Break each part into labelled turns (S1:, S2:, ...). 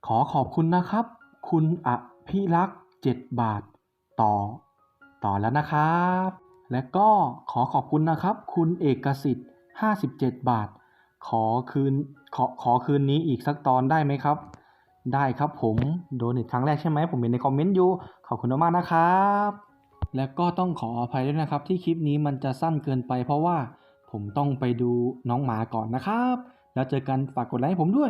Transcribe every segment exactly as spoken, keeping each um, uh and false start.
S1: ขอขอบคุณนะครับคุณอภิรักษ์เจ็ดบาทต่อต่อแล้วนะครับและก็ขอขอบคุณนะครับคุณเอกสิทธิ์ห้าสิบเจ็ดบาทขอคืนขอขอคืนนี้อีกสักตอนได้ไหมครับได้ครับผมโดนอีกครั้งแรกใช่ไหมผมเห็นในคอมเมนต์อยู่ขอบคุณมากๆนะครับและก็ต้องขออภัยด้วยนะครับที่คลิปนี้มันจะสั้นเกินไปเพราะว่าผมต้องไปดูน้องหมาก่อนนะครับแล้วเจอกันฝากกดไลค์ให้ผมด้วย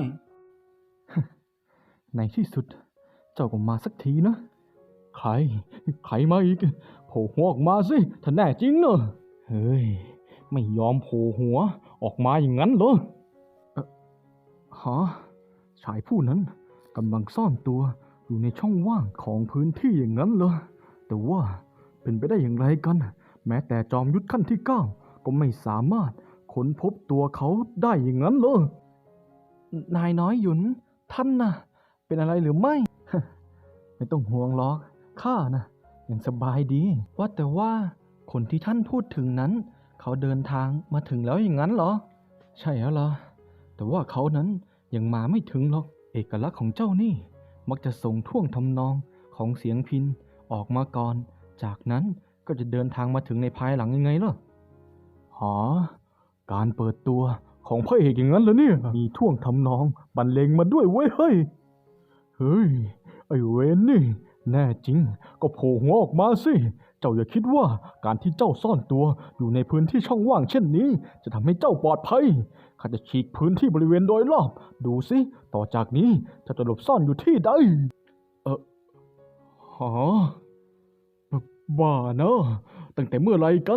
S2: ในที่สุดเจ้าก็มาสักทีนะใครใครมาอีกโผล่หัวออกมาสิถ้าแน่จริงเนอะเฮ้ยไม่ยอมโผล่หัวออกมาอย่างนั้นเหรอเอ่อฮะชายผู้นั้นกำลังซ่อนตัวอยู่ในช่องว่างของพื้นที่อย่างนั้นเหรอแต่ว่าเป็นไปได้อย่างไรกันแม้แต่จอมยุทธขั้นที่เก้าก็ไม่สามารถค้นพบตัวเขาได้อย่างนั้นเหรอนายน้อยหยุนท่านน่ะเป็นอะไรหรือไม่ ไม่ต้องห่วงหรอกข้านะยังสบายดีว่าแต่ว่าคนที่ท่านพูดถึงนั้นเขาเดินทางมาถึงแล้วอย่างนั้นเหรอใช่แล้วล่ะแต่ว่าเขานั้นยังมาไม่ถึงหรอกเอกลักษณ์ของเจ้านี่มักจะส่งท่วงทำนองของเสียงพิณออกมาก่อนจากนั้นก็จะเดินทางมาถึงในภายหลังยังไงล่ะหอการเปิดตัวของพระเอกอย่างนั้นเหรอเนี่ยมีท่วงทำนองบรรเลงมาด้วยเว้ยเฮ้ยเฮ้ยไอ้เวนนี่แน่จริงก็โผล่หัวออกมาสิเจ้าอย่าคิดว่าการที่เจ้าซ่อนตัวอยู่ในพื้นที่ช่องว่างเช่นนี้จะทำให้เจ้าปลอดภัยข้าจะฉีกพื้นที่บริเวณโดยรอบดูสิต่อจากนี้เจ้าจะหลบซ่อนอยู่ที่ใดเออหอบ้าเนอะตั้งแต่เมื่อไรกัน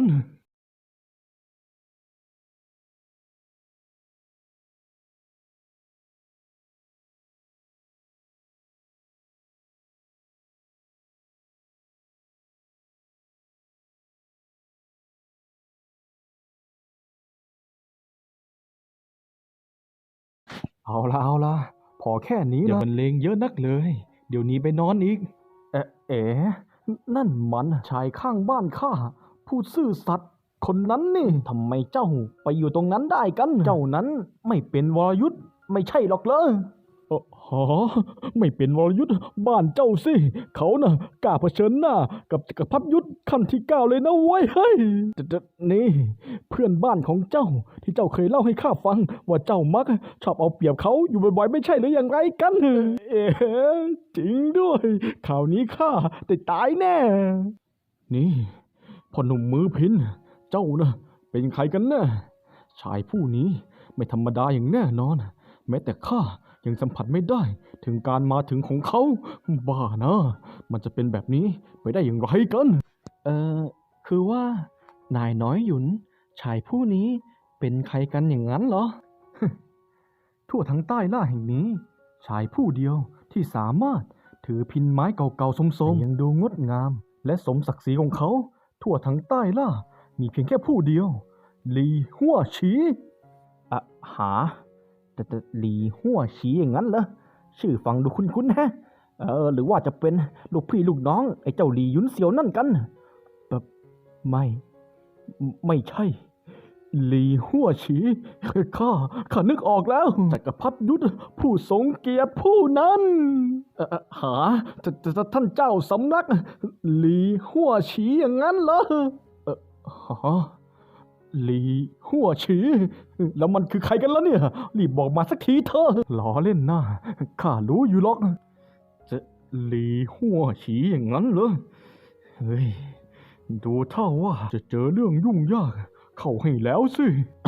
S2: เอาละเอาละพอแค่นี้ละอย่าบรรเลงเยอะนักเลยเดี๋ยวนี้ไปนอนอีกเอ๊ะเอ๋นั่นมันชายข้างบ้านข้าผู้ซื่อสัตย์คนนั้นนี่ทำไมเจ้าไปอยู่ตรงนั้นได้กันเจ้านั้นไม่เป็นวรยุทธ์ไม่ใช่หรอกเหรอเอ่อหอไม่เป็นวรยุทธ์บ้านเจ้าสิเขาน่ะกล้าเผชิญหน้ากับจักรพรรดิยุทธ์ขั้นที่เก้าเลยนะเว้ยเฮ้ยแต่แต่นี่เพื่อนบ้านของเจ้าที่เจ้าเคยเล่าให้ข้าฟังว่าเจ้ามักชอบเอาเปรียบเขาอยู่บ่อยๆไม่ใช่หรืออย่างไรกันเอ๋จริงด้วยข่าวนี้ข้าได้ตายแน่นี่พ่อหนุ่มมือพินเจ้าน่ะเป็นใครกันแน่ชายผู้นี้ไม่ธรรมดาอย่างแน่นอนแม้แต่ข้ายังสัมผัสไม่ได้ถึงการมาถึงของเขาบ้านะมันจะเป็นแบบนี้ไปได้อย่างไรกันเออคือว่านายน้อยหยุนชายผู้นี้เป็นใครกันอย่างนั้นเหรอ ทั่วทั้งใต้ล่าแห่งนี้ชายผู้เดียวที่สามารถถือพินไม้เก่าๆสมๆยังดูงดงามและสมศักดิ์ศรีของเขาทั่วทั้งใต้ล่ามีเพียงแค่ผู้เดียวหลีหัวฉีอะหาแต่แต่หลีหัวฉีอย่างนั้นเหรอชื่อฟังดูคุ้นๆฮะเออหรือว่าจะเป็นลูกพี่ลูกน้องไอ้เจ้าหลีหยุนเสียวนั่นกันแบบไม่ไม่ใช่หลีหัวฉีข้าข้านึกออกแล้วจักรพรรดิยุทธผู้ทรงเกียรติผู้นั้นเอ่อหาจะจะท่านเจ้าสำนักหลีหัวฉีอย่างนั้นเหรอเออหาหลีหัวฉีแล้วมันคือใครกันแล้วเนี่ยรีบบอกมาสักทีเถอะล้อเล่นนะข้ารู้อยู่หรอกจะหลีหัวฉีอย่างนั้นเหรอเฮ้ยดูเท่าว่าจะเจอเรื่องยุ่งยากเข้าให้แล้วสิ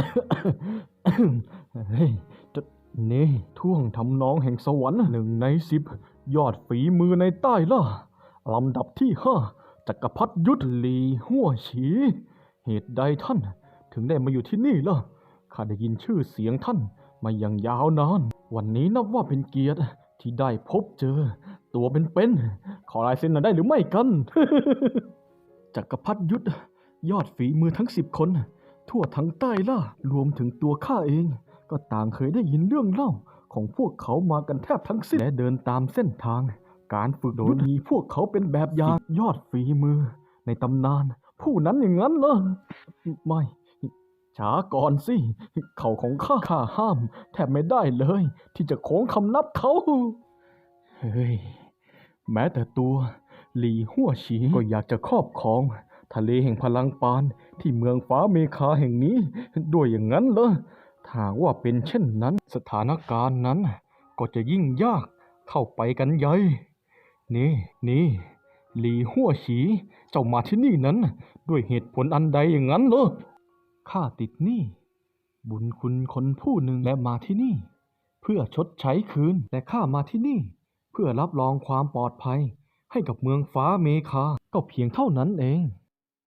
S2: เฮ้ยจะนี่ท่วงทำนองแห่งสวรรค์หนึ่งในสิบยอดฝีมือในใต้ล่ะลำดับที่ห้าจักรพรรดิยุทธลีหัวฉีเหตุใดท่านถึงได้มาอยู่ที่นี่ล่ะข้าได้ยินชื่อเสียงท่านมาอย่างยาวนานวันนี้นับว่าเป็นเกียรติที่ได้พบเจอตัวเป็นๆขอลายเซ็นหน่อยได้หรือไม่กัน จักรพรรดิยุทธยอดฝีมือทั้งสิบคนทั่วทั้งใต้ล่ารวมถึงตัวข้าเองก็ต่างเคยได้ยินเรื่องเล่าของพวกเขามากันแทบทั้งสิ้นและเดินตามเส้นทางการฝึกโดยมีพวกเขาเป็นแบบอย่างยอดฝีมือในตำนานผู้นั้นอย่างนั้นเหรอไม่ช้าก่อนสิเขาของข้าข้าห้ามแทบไม่ได้เลยที่จะโค้งคำนับเขาเฮ้ย แม้แต่ตัวหลี่ฮั่วฉีก็อยากจะครอบครองทะเลแห่งพลังปานที่เมืองฟ้าเมฆาแห่งนี้ด้วยอย่างนั้นเหรอถ้าหากว่าเป็นเช่นนั้นสถานการณ์นั้นก็จะยิ่งยากเข้าไปกันใหญ่นี่นี่หลี่ฮั่วฉีเจ้ามาที่นี่นั้นด้วยเหตุผลอันใดอย่างนั้นเหรอข้าติดหนี้บุญคุณคนผู้หนึ่งและมาที่นี่เพื่อชดใช้คืนแต่ข้ามาที่นี่เพื่อรับรองความปลอดภัยให้กับเมืองฟ้าเมฆาก็เพียงเท่านั้นเอง